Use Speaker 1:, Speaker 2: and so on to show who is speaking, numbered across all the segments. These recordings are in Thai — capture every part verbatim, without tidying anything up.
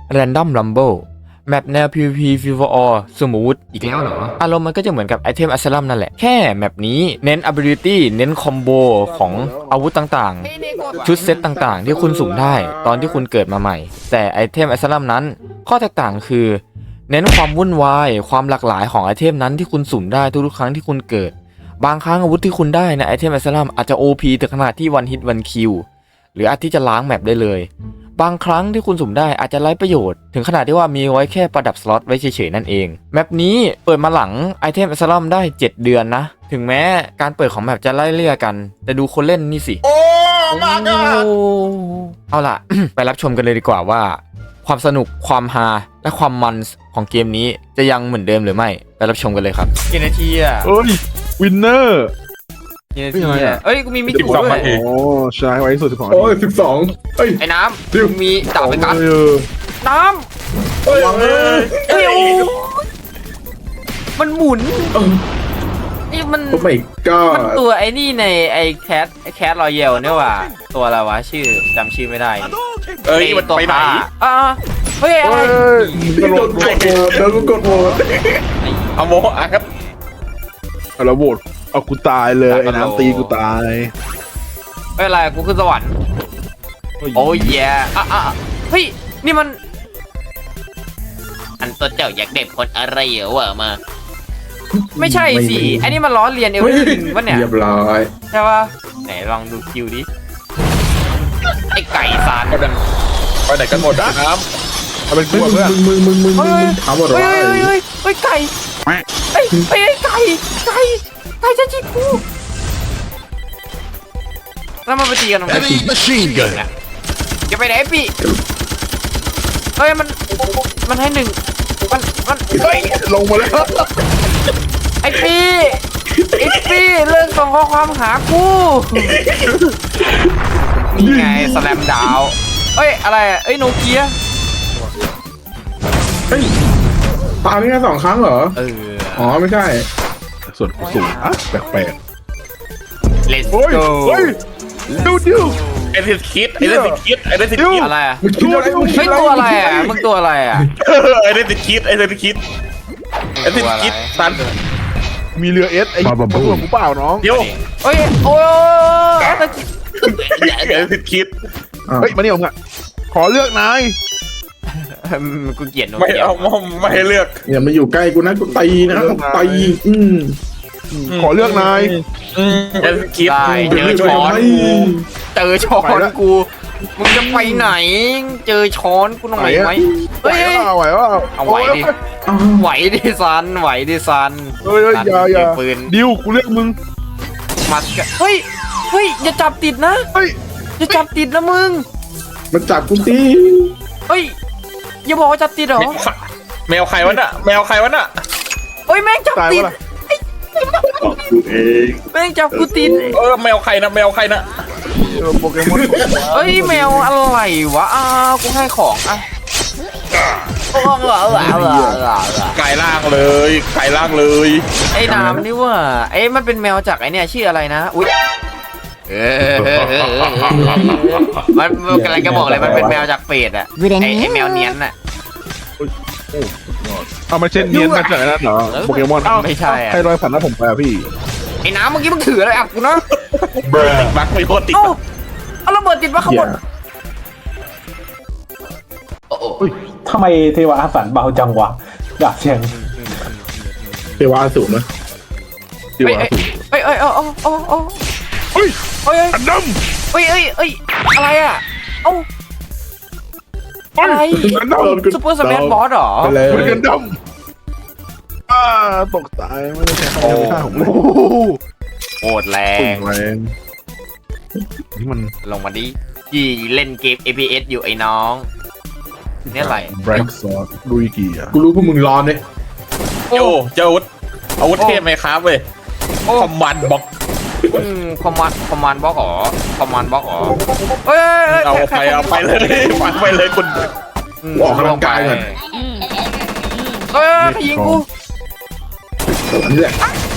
Speaker 1: Random Rumble แมปแนว PVP Free for All สมมุติอีกแล้วเหรออารมณ์มันก็จะเหมือนกับไอเทมอัสลัมนั่นแหละแค่แมปนี้เน้น ability เน้นคอมโบของอาวุธต่างๆชุดเซตต่างๆที่คุณสุ่มได้ตอนที่คุณเกิดมาใหม่แต่ไอเทมอัสลัมนั้นข้อแตกต่างคือเน้นความวุ่นวายความหลากหลายของไอเทมนั้นที่คุณสุ่มได้ทุกๆครั้งที่คุณเกิดบางครั้งอาวุธที่คุณได้ในไอเทมอัสลัมอาจจะ โอ พี ถึงขนาดที่ one hit one kill หรืออาจที่จะล้างแมปได้เลยบางครั้งที่คุณสุ่มได้อาจจะไร้ประโยชน์ถึงขนาดที่ว่ามีไว้แค่ประดับสล็อตไว้เฉยๆนั่นเองแมปนี้เปิดมาหลังไอเทมอัสลัมได้เจ็ดเดือนนะถึงแม้การเปิดของแมปจะไล่เลี่ยกันแต่ดูคนเล่นนี่สิโอ้มาก้าเอาล่ะ ไปรับชมกันเลยดีกว่าว่าความสนุกความฮาและความมันของเกมนี้จะยังเหมือนเดิมหรือไม่ไปรับชมกันเลยครับกี่นาทีอ่ะ
Speaker 2: เอ้ยวินเนอร์
Speaker 1: กี่นาทีอ่ะเอ้ยกูมีมิจิด้วย
Speaker 2: โอ้ใช่ไว้สุดสิบสอง
Speaker 3: โอ้ยสิบสองเฮ้ย
Speaker 1: ไอ้น้ำมึงมีดาบไปกัน
Speaker 2: เออ
Speaker 1: น้ำ
Speaker 3: เฮ้ยเฮ้ย
Speaker 1: เอ้ยโอ้มันหมุนนี่มัน
Speaker 3: โอ้ไม่ก็
Speaker 1: มันตัวไอ้นี่ในไอ้แคทไอ้แคทรอยเยลเนี่ยว่ะตัวอะไรวะชื่อจำชื่อไม่ได้
Speaker 4: เอ้ยมันไปไหน
Speaker 1: อ่าเฮ้ยอะไร
Speaker 3: กดโหวตกดโหวตแล้วก็กดโหวต
Speaker 4: เอาโมอ่ะครับ
Speaker 2: เอาแล้วโหวตเอากูตายเลยไอ้น้ำตีกูตาย
Speaker 1: ไม่อะไรกูขึ้นสวรรค์โอ้ยแย่อ่ะอ่ะเฮ้ยนี่มันอันตัวเจ้าอยากเด็กคนอะไรเหรอวะมาไม่ใช่สิไอ้นี่มันล้อเลียนเอลลิงวะเนี่ย
Speaker 3: เรียบร้อย
Speaker 1: ใช่ปะไหนลองดูคิวดิไอ้ไก่ซาน
Speaker 4: ไปไหนกันหมดนะน้
Speaker 2: เอาเป็น
Speaker 3: มึ
Speaker 2: กู
Speaker 3: ง
Speaker 2: เพื่อน
Speaker 3: มึงมึงมึงมึง
Speaker 1: เฮ้ย
Speaker 3: มึงถามว่าอะไร
Speaker 1: เฮ้ยเฮ้ยเฮ้ยไก่เฮ้ยเฮ้ยไก่ไก่ไก่จะจิกกูแล้วมันไปตีกันตรงไหน
Speaker 2: machine gun
Speaker 1: จะไปไหนปีเฮ้ยมันมันให้หนึ่งมันมัน
Speaker 2: เฮ้ยลงมาแล้ว
Speaker 1: ไอ้ปีไอ้ปีเลิกส่งข้อความหากูนี่ไงสแลมดาวเอ้ยอะไรอ่ะเอ้ยโนเกีย
Speaker 3: เฮ้ยตามนี่แค่สองครั้งเหรอ
Speaker 1: เออ
Speaker 3: อ๋อไม่ใช่
Speaker 2: ส่วนกูสูงอ่ะแปลก
Speaker 1: let's
Speaker 2: ๆเฮ้ย
Speaker 1: go
Speaker 2: เฮ้ยดิวดิว
Speaker 4: ำไอ้เด็กคิดไอ้เด็กคิดไอ้เด็กคิด
Speaker 1: อะไรอ่ะ
Speaker 3: มึงคิดอะไรมึงคิ
Speaker 1: เฮ้
Speaker 3: ด
Speaker 1: ย
Speaker 3: อะไร
Speaker 1: ตัวอะไรอ่ะมึงตัวอะไรอ่ะ
Speaker 4: ไอ้เด็กคิดไอ้เด็กคิดไอ้เด็กคิดสัน
Speaker 2: มีเรือเอสไอ้พวกกูเปล่าน้อง
Speaker 4: เดี๋ยว
Speaker 1: เฮ้ยโอ้ยแอตติ
Speaker 4: ไอ้เด็กคิด
Speaker 2: เฮ้ยมานี่ผมอ่ะขอเลือกนาย
Speaker 1: กูเกลียดโน
Speaker 4: ไม่
Speaker 1: เกีย
Speaker 4: เอาไม่ให้เลือก
Speaker 3: อย่ามาอยู่ใกล้กูนะกูตีนะตีอืม
Speaker 2: ขอเลือกนาย
Speaker 4: ไอ้เด็กคิด
Speaker 1: ได้เจอช้อนกูเจอช้อนกูมึงจะไปไหนเจอช้อนกูหน่อยไหม
Speaker 2: ไหว
Speaker 1: เฮ้ย
Speaker 2: เปล่าไหวเปล่า
Speaker 1: เอาไหวดิ
Speaker 3: อ้าว
Speaker 1: ไหวดิซันไหวดิซัน
Speaker 2: เฮ้ยอย่าอย่า
Speaker 1: ปืน
Speaker 2: ดิวกูเลือกมึง
Speaker 1: มัดกันเฮ้ยเฮ้ยอย่าจับติดนะ
Speaker 2: เฮ้ย
Speaker 1: อย่าจับติดนะมึง
Speaker 3: มาจับกูตี
Speaker 1: เฮ้ยอย่าบอกว่าจับติดเหรอ
Speaker 4: แมวใครวะน่ะแมวใครวะน่ะ
Speaker 1: เฮ้ยแม่งจับ
Speaker 2: ตาย
Speaker 1: ติด
Speaker 2: วะล่ะ
Speaker 3: กูเอง
Speaker 1: แม่งจับกูติด
Speaker 4: เออแมวใครนะแมวใครนะ
Speaker 2: โปเกมอน
Speaker 1: เฮ้ยแมวอะไรวะอ้าวกูให้ของอ่ะโอ้โหเหรอเหรอเหรอเหรอเหรอ
Speaker 4: ไก่ล่างเลยไก่ล่างเลย
Speaker 1: ไอ้น้ำนี่ว่าไอ้มันเป็นแมวจากไอ้เนี่ยชื่ออะไรนะอุ้ยเออมันมันกำลังจะบอกเลยมันเป็นแมวจากเฟดอะไอ้ไอ้แมวเนี้ยนอะ
Speaker 2: เอามาเช่นเนียนมาจากนั้นเหรอโปเกมอน
Speaker 1: ไม่ใช่อะ
Speaker 2: ใครรอยผ่านหน้าผมไปอ่ะพี่
Speaker 1: ไอ้น้ำเมื่อกี้มึงถืออะไรอ่ะกูนะ
Speaker 4: ติดบักไม่โคตรติด
Speaker 1: เอ้าเอาระเบิดติดมาข้างบน
Speaker 5: ทำไมเทวะอาสันเบาจังวะดาบเชียง
Speaker 3: เทวาสูงนะ
Speaker 2: ดิว
Speaker 1: เอ้ย
Speaker 2: อ่ะ
Speaker 1: เอ้ยเอ้ยเอ้ยเอ้ยเอ้ยเอ้ย
Speaker 2: เฮ้ย
Speaker 1: เอ้ย
Speaker 2: อันด
Speaker 1: เอ้ยเอ้ยเอ้ยอะไรอ่ะเอ้า
Speaker 2: ำเฮ้ย
Speaker 1: อะไร
Speaker 2: อันดำ
Speaker 1: ซูเปอร์สแมนบอสเหรอ
Speaker 3: ไปเลย
Speaker 2: มันกันดำอ่าตกตายไม่ได้ใช้คำนี้ท่าผมเลย
Speaker 1: โหดแร
Speaker 2: ปุ่
Speaker 1: ง
Speaker 2: งแรงนี่มัน
Speaker 1: ลงมาดิยี่เล่นเกม เอ พี เอส อยู่ไอ้น้องนี่อะไร
Speaker 2: แบล็กซอสลุยกี่อ่ะ
Speaker 3: กูรู้พวกมึงร้อนเลย
Speaker 4: โจเจ้าอาวุธอาวุธเทพไหมครับเว้ยคอมมานด์บ็อก
Speaker 1: อืมคอมมานด์คอมมานด์บล็อกเหรอคอมมานด์บล็อกเหรอเอ้ย
Speaker 4: เอาไปเอาไปเลยฟังไปเลยคุณ
Speaker 3: ออกกำลังกายก่อน
Speaker 1: เอ้ยใครยิงกู
Speaker 3: อันนี้แหละ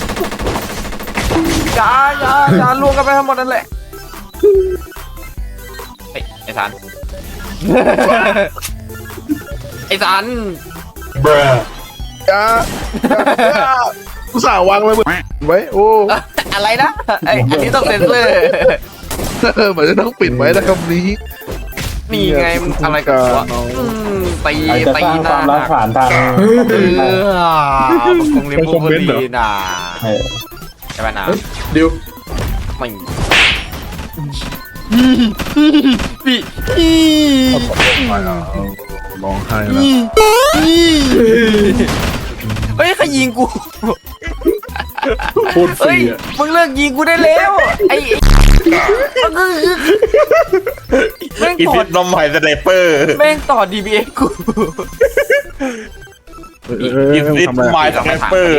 Speaker 1: อย่าอย่าอย่าลวงกันไปทั้งหมดนั่นแหละเฮ้ยไอ้สันอ้สัน
Speaker 2: จ้ากูสาววางไว้ไว้โอ้
Speaker 1: อะไรนะไอ้อันนี้ต้องเซ็นเซอร์
Speaker 2: เหมือนจะต้องปิดไว้นะคำนี้
Speaker 1: นี่ไงมันอะไรกันวะอืมตี
Speaker 5: ใครจะ
Speaker 1: ตี
Speaker 5: สร้าง
Speaker 1: ห
Speaker 5: ค
Speaker 1: น้าว
Speaker 5: ามรักผ่านทาง
Speaker 1: เออมันคงเรียนพูดดีนะ
Speaker 5: เออ
Speaker 1: ใช่ไหมนะ
Speaker 3: ดิว
Speaker 1: ไม่พี่
Speaker 2: ร้องไห้แล้ว
Speaker 1: เฮ้ยใครยิงกู
Speaker 3: โคตรฟ
Speaker 1: เฮ้
Speaker 3: รี
Speaker 1: ย
Speaker 3: อ่ะ
Speaker 1: มึงเลิกยิงกูได้แล้วไอ้แม่ง
Speaker 4: อี
Speaker 1: ต่อ
Speaker 4: ฟิตนมใหม่สไนเปอร์
Speaker 1: แม่งต่อ ดี บี เอ็ก กู
Speaker 4: อีฟิตใหม่สไนเปอร์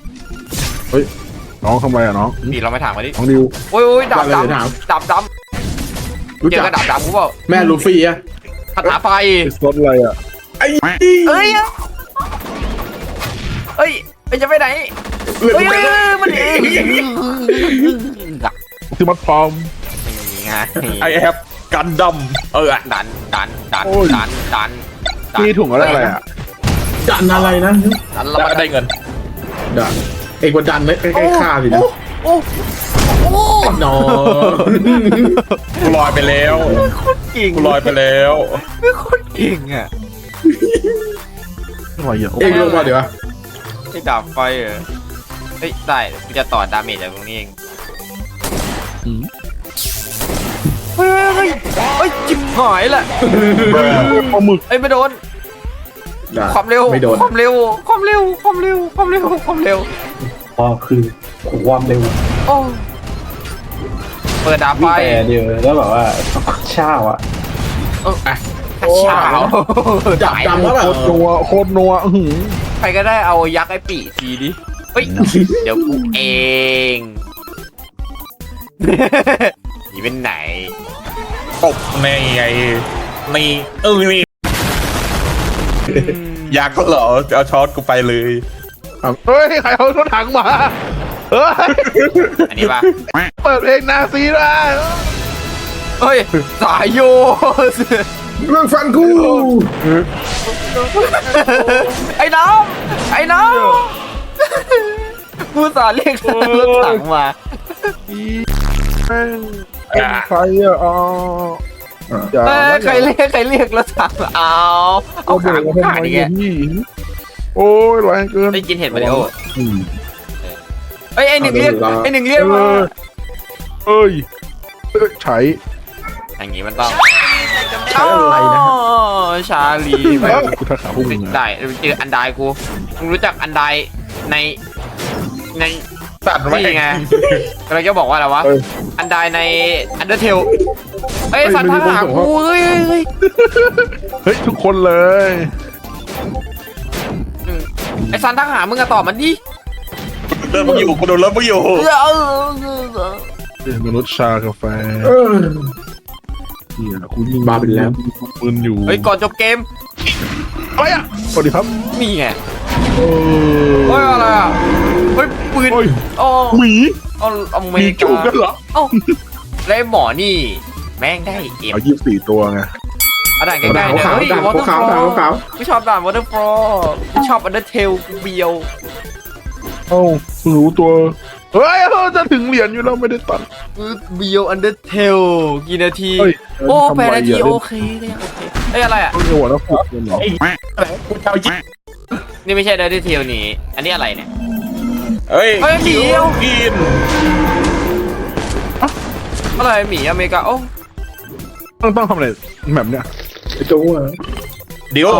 Speaker 2: น้องทำไมอ่ะน้อง
Speaker 1: พี่เราไม่ถามมาดิ
Speaker 2: น้องดิว
Speaker 1: โอ้ยโอ้ยดาบดำดาบด
Speaker 3: รู้
Speaker 1: ำเจอ
Speaker 3: จัก
Speaker 1: กระดาบดำกูเปล่า
Speaker 3: แม่ลูฟี่อ่ะ
Speaker 1: คาถาไฟ
Speaker 2: ไอ้สดอะไรอ่ะ
Speaker 3: ไอ้
Speaker 1: เอ้ยเอ้ยเอ้ยจะไปไหน
Speaker 3: เลือด
Speaker 1: เฮ้ย
Speaker 3: มัน
Speaker 1: มันเอง
Speaker 2: คือมัดพร้อม
Speaker 1: นี่ไง
Speaker 4: ไอแอปกันดำเออ
Speaker 1: ดันดันดัน
Speaker 2: โอ้ย
Speaker 1: ดันดันดัน
Speaker 2: มีถุงอะไรอะไรอ่ะ
Speaker 3: ดันอะไรนะ
Speaker 1: ดันเรา
Speaker 4: แล้ว
Speaker 1: มา
Speaker 4: ก็ได้เงิน
Speaker 3: ดันเอกว่าดันเลยใกล้ๆฆ่าสินะ
Speaker 1: โอ้โอ้
Speaker 3: นอน
Speaker 4: กูลอยไปแล้ว
Speaker 1: เก่ง
Speaker 4: กูลอยไปแล้ว
Speaker 1: ไม่โคตรเก่งอ่ะ
Speaker 2: อะไรอ่ะ
Speaker 3: เอกลงมาเดี๋ยว
Speaker 1: ไอ้ดาบไฟเหรอเฮ้ยได้กูจะต่อดาเมจจากตรงนี้เองเฮ้ยเฮ้ยเฮ้ยจิบหายแหละ
Speaker 2: ปลาหมึก
Speaker 1: เอ้ยไม่โดน ความเร็ว
Speaker 3: ไม่โดน
Speaker 1: ความเร็ว ความเร็ว ความเร็ว ความเร็ว ความเร็ว
Speaker 5: พอคือความเร็ว
Speaker 1: โอ้เปิดดาบไฟ
Speaker 5: แต่เดียวแล้วแบบว่าเช่าอ่ะ
Speaker 1: เอออ่ะเช้า
Speaker 3: จับดำแล้วแบ
Speaker 2: โค
Speaker 3: บ
Speaker 2: ตรนัวโคตรนัวอื้อหือ
Speaker 1: ใครก็ได้เอายักษ์ไอ้ปีทีดิ เฮ้ย เดี๋ยวกูเองหนีเป็นไหน
Speaker 4: ตบในไงนี่เออนี่อยากก็เหรอเอาช็อตกูไปเลย
Speaker 2: เฮ้ยใครเอารถถังมาเฮ้ย
Speaker 1: อันนี้ปะ
Speaker 2: เปิดเพลงนาซีได้
Speaker 1: เฮ้ย สายโย
Speaker 3: เรื่องฟันกู
Speaker 1: ไอ้น้ำไอ้น้ำกูสาเรียกรถถังมา
Speaker 2: แม่งเป็นใครอ่ะอ๋ออย่า
Speaker 1: เอ้ย
Speaker 2: นะ
Speaker 1: ใครเรียกใครเรียกรถถังมาเอาเอา
Speaker 2: เอา
Speaker 1: ขา
Speaker 2: เด็ก
Speaker 1: กู
Speaker 2: มาทำ
Speaker 1: ขาด
Speaker 2: ไม
Speaker 1: อีกแก
Speaker 2: เนี่ยพี่โอ้ยแรงเกิน
Speaker 1: ได้กินเห็ดมาเดียว
Speaker 2: อืม
Speaker 1: เอ้ยไอ้หนึ่งเรียกไอ้หนึ่งเรียกมา
Speaker 2: เอ้ยเอ้ยใช้
Speaker 1: อย่างงี้มันต้อง
Speaker 3: ใช้อะไรนะ
Speaker 1: อ๋อชาลีไป
Speaker 2: กูทักขาพุ่งนะ
Speaker 1: ได้เจออันไดกูมึงรู้จักอันไดในใน
Speaker 4: ตัดไว้
Speaker 1: นี่ไงเราจะบอกว่าอะไรวะ
Speaker 2: เอ้ย
Speaker 1: อันไดในอันเดอร์เทลเอ้ยสันทักหากูเฮ้ยเฮ้ยเฮ้ย
Speaker 2: เฮ้ยทุกคนเลย
Speaker 1: อืมไอ้สันทักหามึงอะตอบมันดิ
Speaker 4: เริ่มมึงอยู่กูโดนเริ่มมึงอยู่
Speaker 1: เออเออเออ
Speaker 2: เป็นมนุษย์ชากาแฟ
Speaker 3: เออ
Speaker 2: เนี่ยกูยิง
Speaker 3: บ้าไปแล้ว
Speaker 2: ปืนอยู่
Speaker 1: เฮ้ยก่อนจบเกม
Speaker 2: อะไรอ่ะสวัสดีครับ
Speaker 1: นี่ไง
Speaker 2: เอ
Speaker 1: เฮ้ยอะไรอ่ะเฮ้ยปืน
Speaker 2: โอ้ย
Speaker 1: อ๋อ
Speaker 2: หมี
Speaker 1: เอาอเม
Speaker 2: มี
Speaker 1: ริ
Speaker 2: จู
Speaker 1: กา
Speaker 2: บกันเหรอ
Speaker 1: เอ้าแล้วไอ้หมอนี่ แม่งได้เอ็ม
Speaker 2: เอายี่สิบสี่ตัวไง
Speaker 1: เอาด่านใกล้ๆเนี่ย
Speaker 3: ขาว
Speaker 1: เฮ้ย
Speaker 3: ขาว
Speaker 1: วอเตอร์ฟ
Speaker 3: ขาว
Speaker 1: ล
Speaker 3: ขาวขาว
Speaker 1: ไม่ชอบด่านวอเตอร์ฟลไม่ชอบอันเดอร์เทลกูเบียว
Speaker 2: เอ้าเพิ่งรู้ตัวเฮ้ยเออจะถึงเหรียญอยู่แล้วไม่ได้ตัด
Speaker 1: กูเบียวอันเดอร์เทลกี่นาที
Speaker 2: เฮ้ย
Speaker 1: โอ้
Speaker 2: ทำ
Speaker 1: แปด
Speaker 2: ไม
Speaker 1: นาที
Speaker 2: อ่ะ
Speaker 1: โอเคก็ยังโอเคเอ้ยอะไรอ่ะ
Speaker 2: เล่นหัวแล้วฝึกกันเหรอ
Speaker 4: กูจะเอายิง
Speaker 1: นี่ไม่ใช่อันเดอร์เทลนี่อันนี้อะไรเนี่ย
Speaker 4: เฮ้ย
Speaker 1: เฮ้ยหมี
Speaker 4: กิน
Speaker 1: อะไรหมีอเมริกาโอ้
Speaker 2: ต้องต้องทำอะไรแบบเนี้ย
Speaker 3: ไอ้โจ้อะ
Speaker 4: เดี๋ยว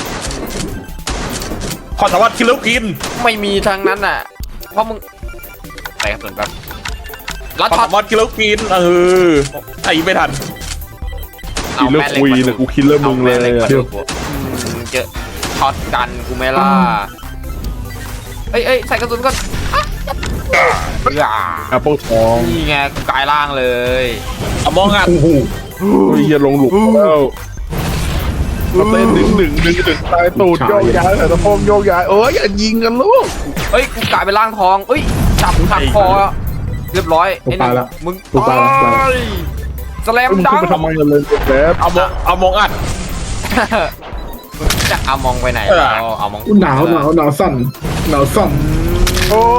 Speaker 4: ขอสามารถคิลเลอร์กิน
Speaker 1: ไม่มีทางนั้นอ่ะเพราะมึงใส่กระสุนแบบแล้ว
Speaker 4: ขอ
Speaker 1: ช็อต
Speaker 4: สามารถคิลเลอร์กินเออไอ้ไม่ทัน
Speaker 2: คิลเลอร์คุยเลยกูคิลเลอร์มึงเลย
Speaker 1: อาแม่หกมา
Speaker 2: เดี๋
Speaker 1: ดู
Speaker 2: ยว
Speaker 1: กูอืมเจอช็อตกันกูไม่ล่าเอ้ยเอ้ยใส่กระสุนก่อนอ่ะ
Speaker 2: แอปเปิลทอง
Speaker 1: นี่ไงกูกลายร่างเลย
Speaker 4: เอามองอ่ะ
Speaker 3: โอ้โห
Speaker 2: เฮ้ยอย่าลงหลุมแล้วมาเต้นดึงดึงดึงดึงตายตูดโยกย้ายแต่ตะโพงโยกย้ายเอ้ยอย่ายิงกันลูก
Speaker 1: เอ้ยกูกลายเป็นร่างทองเอ้ยจับขัดคอเรียบร้อยไอ้หนึ่งมึงตายสแลม
Speaker 2: มึง
Speaker 1: ดั
Speaker 2: ขึ้น
Speaker 1: ง
Speaker 2: ไปทำไมกันเลยแบบ
Speaker 4: เอามองเอามองอัด
Speaker 1: จะเอามองไปไหน
Speaker 4: เออ
Speaker 1: เราเอามอง
Speaker 3: อุ๊ยหนาวหนาวหนาวสั่นหนาวสั่น
Speaker 2: โอ้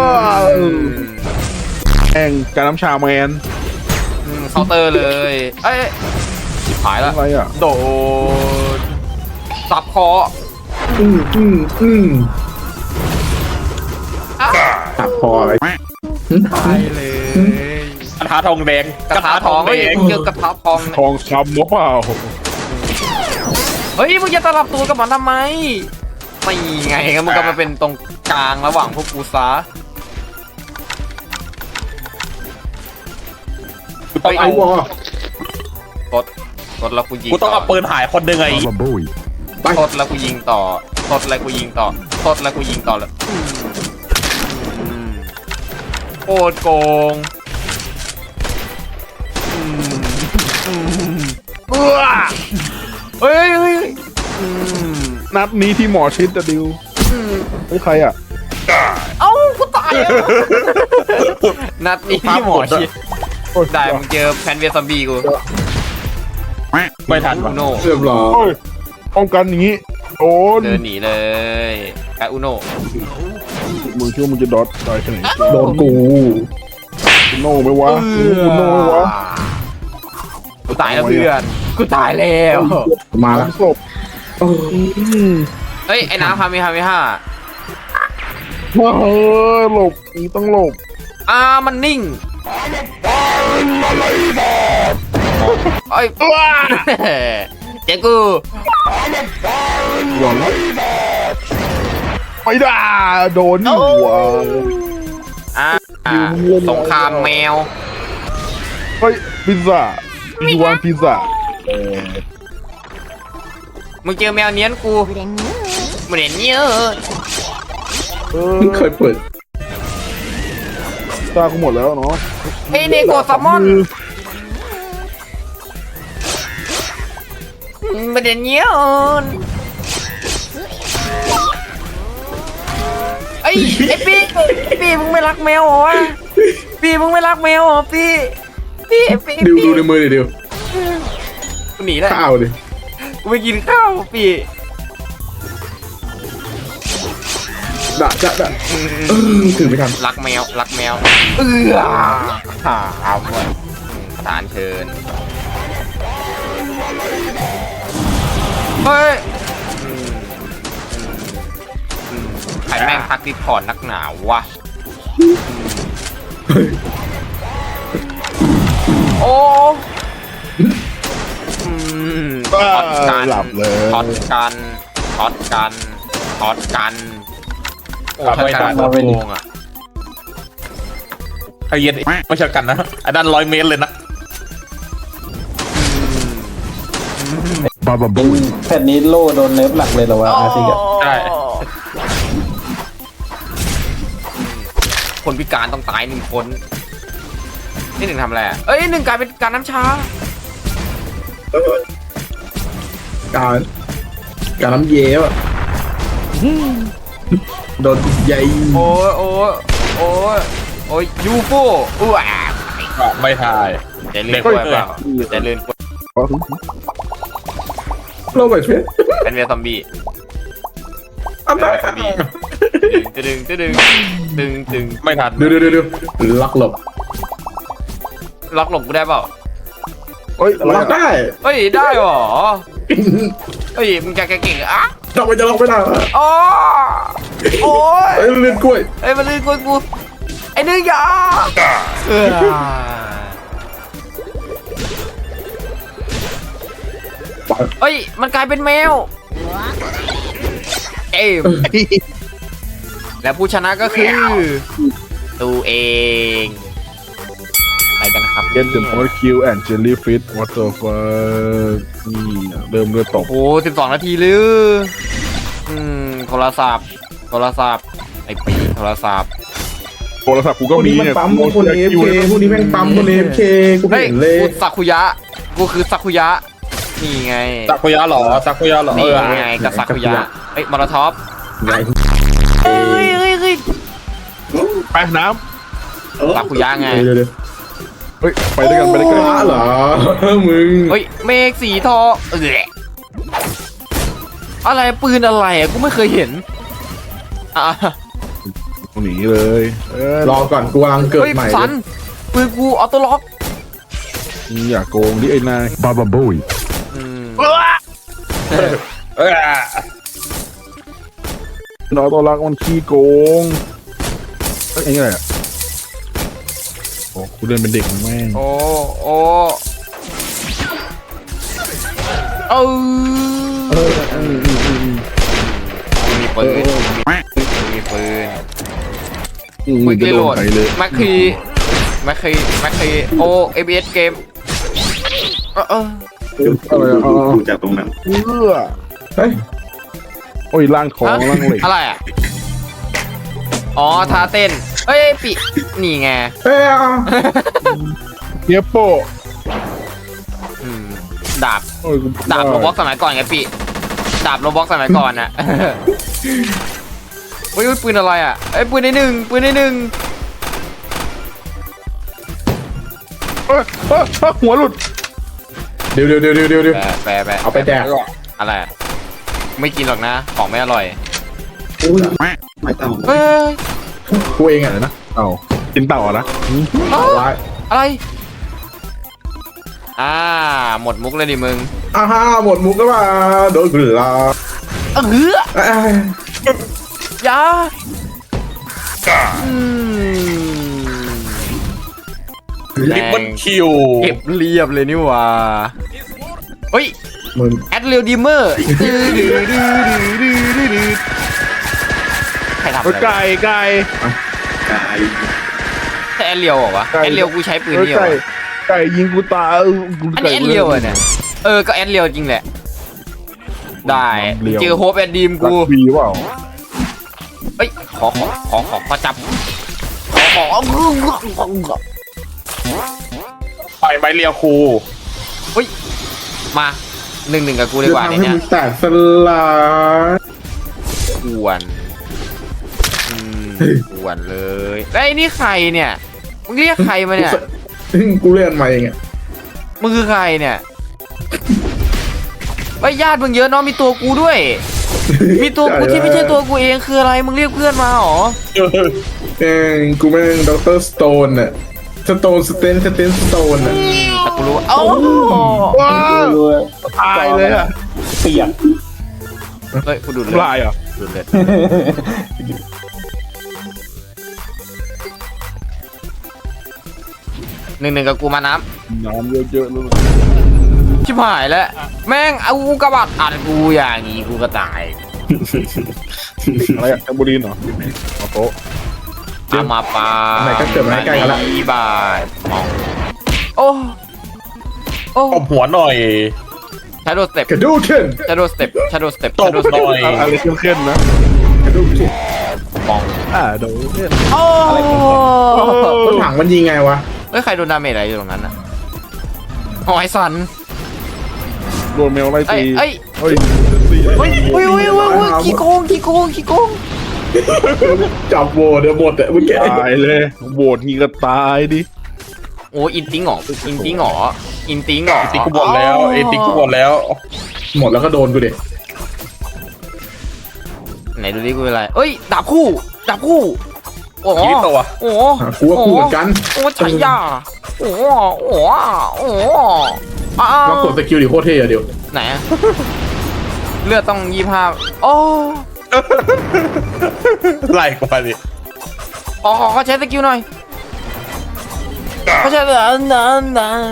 Speaker 2: แองการน้ำชาแมน
Speaker 1: อืมเคาน์เตอร์เลยเอ้ยชิบหายแล้ว
Speaker 2: อะไรอ่ะ
Speaker 1: โดนสับคอ
Speaker 3: อืมอืมอืม
Speaker 1: อ้าว
Speaker 3: ตัดคออะไร
Speaker 1: ตายเลย
Speaker 4: กระทะทองแดง
Speaker 1: กระทะทอง
Speaker 4: แด
Speaker 1: เฮ้ย
Speaker 4: ง
Speaker 1: เจอกระทะทอง
Speaker 2: ทองคำหรือเปล่า
Speaker 1: เฮ้ยมึงจะตลับตัวกับมันทำไมไม่ไงก็มึงก็มาเป็นตรงกลางระหว่างพวกกูซะ
Speaker 4: กูต้อง
Speaker 3: ไอ้
Speaker 4: เอา
Speaker 3: วอ
Speaker 1: กดกดแล้วกูยิง
Speaker 4: กูต้องเอาปืนถ่ายคนหนึ่งไง
Speaker 3: ไป
Speaker 1: กดแล้วกูยิงต่อกดแล้วกูยิงต่อกดแล้วกูยิงต่อแล้วอืมโคตรโกงอืมอืมเบื่อเฮ้ยเฮ้ยอืม
Speaker 2: นัดนี้ที่หมอชิดจะดิว
Speaker 1: อืม
Speaker 2: เฮ้ยใครอ่ะ
Speaker 1: เอ้ากูตายแล้วนัดนี้ที่หมอชิด
Speaker 2: โอ้ย
Speaker 1: ได้มึงเจอแพนเวียซอมบี้กู
Speaker 4: ไม่ทัน
Speaker 1: อุโน
Speaker 3: เรียบร้อย
Speaker 2: โอ้ยป้องกันอย่างงี้โดน
Speaker 1: เดินหนีเลยไออุโน
Speaker 2: มึงคิดว่ามึงจะดอทตายขนาดนี้
Speaker 3: โดนกู
Speaker 2: คุณโน่ไหมวะคุณโน่ไหมวะ
Speaker 1: กูตายแล้วเพื่อนกูตายแล้ว
Speaker 3: มาแล้ว
Speaker 2: ศพ
Speaker 3: โอ้
Speaker 1: เฮ้ยไอ้น้ำพามีพามีห้า
Speaker 2: ว้าเฮ้ยหลบนี่ต้องหลบ
Speaker 1: อ่ามันนิ่งไอ้ยเจ๊กู
Speaker 2: หย่อนแล้วไม่ได้โดนนี่หัว
Speaker 1: อ่าสงครามแมว
Speaker 2: เฮ้ยพิซซ่าอีวานพิซซ่า
Speaker 1: มึงเจอแมวเนี้ยนกูมันเห็นเนี้ย
Speaker 2: เออ
Speaker 3: เพิ่งเคยเปิด
Speaker 2: ตากูหมดแล้วเนาะ
Speaker 1: เฮ้ยเนโกซามอนมันเห็นเนี้ยไอ้ไอ้ปีปีมึงไม่รักแมวเหรอวะปีมึงไม่รักแมวเหรอปีปีปี
Speaker 3: ดิว
Speaker 1: ปี
Speaker 3: ดูในมือดิดิว
Speaker 1: กูหนีแล้ว
Speaker 3: ข้าวดิ
Speaker 1: กูไปกินข้าวปี
Speaker 3: ด่าด่าด่าเออถือไม่ทัน
Speaker 1: รักแมวรักแมวเอื้อหาเอาหมดประธานเชิญเฮ้ยอืมอืมใครแม่งทักดิสคอร์ดนักหนาวะโอ้อืมช็อตกัน
Speaker 2: หลับเลย
Speaker 1: ช็อตกันช็อตกันช็อตกันโอ้ช็อตกันโคตรโกงอ่ะ
Speaker 4: ไอ้เย็นไม่ใช่กันนะอันนั้นร้อยเมตรเลยนะ
Speaker 5: แผ่นนี้โล่โดนเนิร์ฟหลักเลยเหรอวะอาร์ติกอะ
Speaker 4: ใช่
Speaker 1: คนพิการต้องตายหนึ่งคนนี่หนึ่งทำอะไรอะเอ้ยหนึ่งกลายเป็นการน้ำชา
Speaker 3: การการน้ำเย้วอะโดนใหญ่
Speaker 1: โอ้ยโอ้ยโอ้ยโอ้ยยูโฟอู้อ่ะ
Speaker 4: ไม่ทาย
Speaker 1: จะเลื่อนกล้วยเปล่าจะเลื่อนกล้วย
Speaker 3: โลกแบบเช่น
Speaker 1: เป็นเวียซอมบี้
Speaker 3: อัน
Speaker 1: เป็น
Speaker 3: นั้
Speaker 1: เวียซอมบี้ตึงตึงตึงตึงตึง
Speaker 4: ไม่ทัน
Speaker 3: เดี๋ยวเดี๋ยวเดี๋ยวล็อกหลบ
Speaker 1: ล็อกหลบกูได้เปล่า
Speaker 2: เฮ้ย
Speaker 3: ล็อกได้
Speaker 1: เฮ้ยได้หรอเฮ้ยมึงจะเก่งๆอ่ะ
Speaker 3: ล็อกไปจะล็อกไม่ได้
Speaker 1: อ๋อโอ้ย
Speaker 3: เอ้ยเลื่อนกล้วย
Speaker 1: เอ้ยมันลื่นกล้วยกูไอ้หนึ่งอยาเออ เอ้ย มันกลายเป็นแมว เอมและผู้ชนะก็คือตัวเอง ไปกันครับ
Speaker 2: เก็ตเดอะมอร์คิวแอนด์เจลลี่ฟิชวอเตอร์ฟันี่อะเริ่มเลือดตก
Speaker 1: โอ้สิบสองนาทีหรืออืม โทรศัพท์ โทรศัพท์ ไอปีโทรศัพท์
Speaker 2: โทรศัพท์กู
Speaker 3: พ
Speaker 2: ก็
Speaker 3: วก
Speaker 2: มี
Speaker 3: นี้มัน
Speaker 2: เนี่ย
Speaker 3: ปั๊มคนเอฟเคพวกนี้แม่งปั๊มคนเอฟเคกู
Speaker 1: เฮ้ย
Speaker 3: เห็นเลย
Speaker 1: กูสักุยะ กูคือสักุยะ นี่ไง
Speaker 4: ซากุยะเหรอซากุยะเหรอเอ
Speaker 1: นี่
Speaker 4: อ
Speaker 1: ไงกับสักุยะ เฮ้ยมอลโทอฟ
Speaker 3: ไง
Speaker 1: เฮ้ยเฮ้ยเฮ้ย
Speaker 2: ไปน้
Speaker 1: สักุยะไง
Speaker 3: เดี๋ยวเดี๋ยว
Speaker 2: ำเฮ้ยไปด้วยกันไปด้วยกัน
Speaker 3: ฟ้าเหรอมึง
Speaker 1: เฮ้ย เมฆสีทองเอออะไรปืนอะไรอ่ะกูไม่เคยเห็นอ่ะ
Speaker 2: หนีเลยเออ
Speaker 3: รอก่อนกูกำลังเกิด
Speaker 1: เฮ้ย
Speaker 3: ใหม่
Speaker 1: สันปืนกูออโต้ล็อก
Speaker 2: อย่าโกงดิไอ้นายบาบาบุย
Speaker 1: อืม
Speaker 4: เออ
Speaker 2: น้อยตัวรักมันขี้โกงเอ้ยไอ้นี่อะไรอ่ะโอ้กูเดินเป็นเด็กแม่ง
Speaker 1: โอ้โอ้เออ
Speaker 2: เออเออเออเออ
Speaker 1: มีปืนมีปืน
Speaker 2: อืม
Speaker 1: ควิก
Speaker 2: จะ
Speaker 1: รี
Speaker 2: โด
Speaker 1: โหล
Speaker 2: น
Speaker 1: ด
Speaker 2: ใครเลย
Speaker 1: แม็กคีแม็กคีแม็กคีโอเอบีเอสเกมเออเออ
Speaker 2: อะไรอ่ะอ๋อ
Speaker 3: ดูจากตรงนั้น
Speaker 2: เอื้อ
Speaker 3: เฮ้ย
Speaker 2: โอ้ยล่างทองล่างเหล็ก
Speaker 1: อะไรอ่ะอ๋อท่าเต้นเอ้ยปินี่ไง
Speaker 3: เอ้ยอ่ะ
Speaker 2: เนี้ยโป้
Speaker 1: อืมดาบ
Speaker 2: โอ้ยกู
Speaker 1: ดาบโรบ็อกสมัยก่อนไงปิดาบโรบ็อกสมัยก่อนอ่ะ เฮ้ยปืนอะไรอ่ะไอ้ยปืนในหนึ่งปืนในหนึ่ง
Speaker 2: เอ้ยเอ้ยเอ้ยหัวหลุด
Speaker 3: เดี๋ยวเดี๋ยวเดี๋ยวเดี๋ยวเดี๋ยว
Speaker 1: แปะแปะแปะ
Speaker 3: เอาไปแดก
Speaker 1: อะไรอะไม่กินหรอกนะของไม่อร่อย
Speaker 3: อุ้ยไม่ต้อง
Speaker 1: เฮ้ย
Speaker 3: กูเองอ่ะ
Speaker 2: อะไรนะเต่ากินเต่าอะนะ
Speaker 1: เอ้า
Speaker 3: ร้าย
Speaker 1: อะไรอ่าหมดมุกเลยดิมึง
Speaker 3: อ่าฮะหมดมุกแล้วมาโดนกูลา
Speaker 1: เออ
Speaker 3: เอ้ย
Speaker 1: อยาอืม
Speaker 4: ลิปเปิลคิว
Speaker 1: เก็บเรียบเลยนี่หว่าเฮ้ย
Speaker 3: มึง
Speaker 1: แอดเรียลดีเมอร์ใครทำอะไรวะ
Speaker 2: ไก่ไก่
Speaker 3: กาย
Speaker 1: ใช่แอดเรียวเหรอวะ
Speaker 2: ไก่
Speaker 1: แอดเรียวกูใช้ปืน
Speaker 2: เอ้ย
Speaker 1: นี่เหรอ
Speaker 2: ไก่
Speaker 1: วะ
Speaker 2: ไก่ยิงกูตายกู
Speaker 1: อันนี้แอดเรียวอะเนี่ยเออก็แอดเรียวจริงแหละได้เจอโฮปแอดดีม
Speaker 2: รั
Speaker 1: กู
Speaker 2: กวีเปล่า
Speaker 1: เอ้ยขอขอขอขอขอจับขอขอ
Speaker 4: ไปไม้เรียวครู
Speaker 1: เฮ้ยมาหนึ่งหนึ่งกับกูดี
Speaker 3: จะ
Speaker 1: กว่า
Speaker 3: ทำ
Speaker 1: ใน
Speaker 3: ให้
Speaker 1: เนี้ย
Speaker 3: มึงแตกสลาย
Speaker 1: อ้วนอืมอ้วนเลยแล้วไอ้นี่ใครเนี่ยมึงเรียกใครมาเนี่ย
Speaker 3: กูเล่นมาเองอ่ะ
Speaker 1: มึงคือใครเนี่ยไอ้ยญาติมึงเยอะเนาะมีตัวกูด้วย มีตัวกูที่ไม่ใช่ตัวกูเองคืออะไรมึงเรียกเพื่อนมาเหรอ
Speaker 3: เองกูแม่งด็อกเตอร์สโตนอ่ะสโตนสเตนสเตนสโตนอ่ะ
Speaker 1: แต่กูรู้ว่าเอ้า
Speaker 2: ว้าวตายเลยอ่ะ
Speaker 5: เปียก
Speaker 1: เฮ้ยกูดูดเลื
Speaker 2: ลา
Speaker 1: อด
Speaker 2: ยเหรอ่ะ
Speaker 1: ดูดเลือดหนึ่งหนึ่งกับกูมาน้
Speaker 2: น้ำเยอะๆเลย
Speaker 1: ำชิบหายแล้วแม่งเอากูกระบาดอัดกูอย่างงี้กูก็ตาย
Speaker 2: อะไรอะแอมบูลินเหรอเอาโต๊ะ
Speaker 1: เอามาปา
Speaker 3: ไหนก็เกิดมาให้ใกล้กันละ
Speaker 1: อีบายมองโอ้โอ้
Speaker 4: ตบหัวหน่อย
Speaker 1: ชาโดสเต็ป
Speaker 3: กระดูกขึ้น
Speaker 1: ชาโดสเต็ปชาโดสเต็ป
Speaker 4: ตบหน่อย
Speaker 2: อะไรเข้มๆนะ
Speaker 3: กระดูกขึ้น
Speaker 1: มอง
Speaker 2: อ่าโดนเนี่ย
Speaker 1: โอ้
Speaker 3: รถถังมันยิงไงวะ
Speaker 1: เฮ้ยใครโดนดาเมจอะไรอยู่ตรงนั้นอ่ะอ๋อไอ้สัน
Speaker 2: โดนแมวไล่
Speaker 1: เอ้
Speaker 2: ตี
Speaker 1: ยเอ้ย
Speaker 2: เฮ้ย
Speaker 1: เฮ้ยเฮ้ยเฮ้ยเฮ้ยเฮ้ยขี้โกงขี้โกงขี้โกง
Speaker 3: จับโวเดี๋ยวหมดอ่ะเมื่อกี้
Speaker 2: ตายเลยโหวตงี้ก็ตายดิ
Speaker 1: โอ้อินติ้งเหรออินติ้งเหรออินติ้งเหรอ
Speaker 4: ติ๊กกูบอลแล้วเอติ๊กกูบอลแล้ว
Speaker 3: หมดแล้วก็โดนกูเด็ก
Speaker 1: ไหนดูดิกูเป็นอะไรเอ้ยดาบคู่ดาบคู่โอ้
Speaker 4: ยี่ตัว
Speaker 1: โอ้
Speaker 3: กูว่ากูเหมือนกัน
Speaker 1: โอ้ชัยยาโอ้โอ้โอ้อ้า
Speaker 3: ลองกดสกิลดิโคตรเท่อะเดี๋ยว
Speaker 1: ไหนอะเลือดต้องยี่ห้าโอ้
Speaker 4: ไล่กว่าดิ
Speaker 1: อ๋อเขาใช้สกิลหน่อยเขาใช้เออนันนัน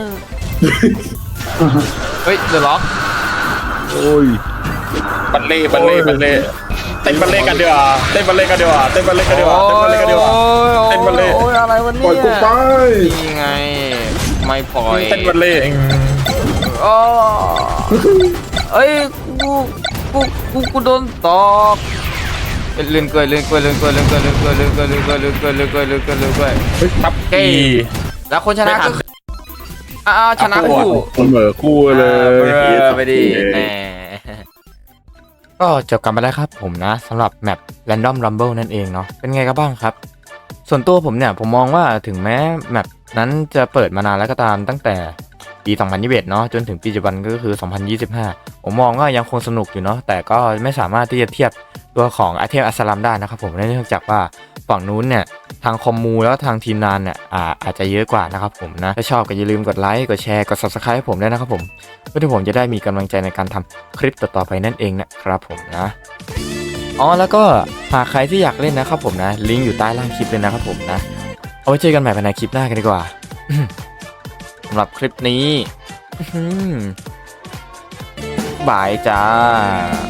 Speaker 1: เฮ้ยเดือดล็อก
Speaker 2: โอ้ย
Speaker 4: บัลเล่บัลเล่บัลเล่เต้นบัลเล่กันดีกว่าเต้นบัลเล่กันดีกว่าเต้นบัลเล่กันดีกว่าเต้นบัลเล่กันดีกว่า เต้นบัลเล่
Speaker 1: โอ้ยอะไรวะ
Speaker 3: ปล่
Speaker 1: เนี่
Speaker 3: อย
Speaker 1: ย
Speaker 3: กูไป
Speaker 1: นี่ไงไม่ปล่อย
Speaker 4: เต้นบัลเล่เอง
Speaker 1: โอ้เอ้ยกูกูกูกูโดนตอกเลื่อนเกยเลื่อนเกยเลื่อนเกยเลื่อนเกยเลื่อนเกยเลื่อนเกยเลื่อนเกยเลื่อนเกยเลื่อนเกยเลื่อนเกยเลื่อนเกย
Speaker 4: ครับ
Speaker 1: เก้
Speaker 4: อี
Speaker 1: แล้วคนชนะก็คืออ้าวชนะคู่
Speaker 2: เสมอคู่เล
Speaker 1: เอย อไปดิแหมก็จบกันไปแล้วครับผมนะสำหรับแมป Random Rumble นั่นเองเนาะเป็นไงกันบ้างครับ ส่วนตัวผมเนี่ยผมมองว่าถึงแม้แมปนั้นจะเปิดมานานแล้วก็ตามตั้งแต่ปี สองพันยี่สิบเอ็ด เนาะจนถึงปีปัจจุบันก็คือ สองพันยี่สิบห้า ผมมองว่ายังคงสนุกอยู่เนาะแต่ก็ไม่สามารถที่จะเทียบตัวของไอเทมอัสลัมได้นะครับผมเนื่องจากว่าฝั่งนู้นเนี่ยทางคอมมูแล้วทางทีมงานเนี่ยอาอาจจะเยอะกว่านะครับผมนะถ้าชอบก็อย่าลืมกดไลค์กดแชร์กด ซับสไครบ์ ให้ผมด้วยนะครับผมเพื่อที่ผมจะได้มีกำลังใจในการทำคลิปต่อๆไปนั่นเองนะครับผมนะอ๋อแล้วก็หากใครที่อยากเล่นนะครับผมนะลิงก์อยู่ใต้ล่างคลิปเลยนะครับผมนะเอาไว้เจอกันใหม่ในคลิปหน้ากันดีกว่า สำหรับคลิปนี้ บายจ้า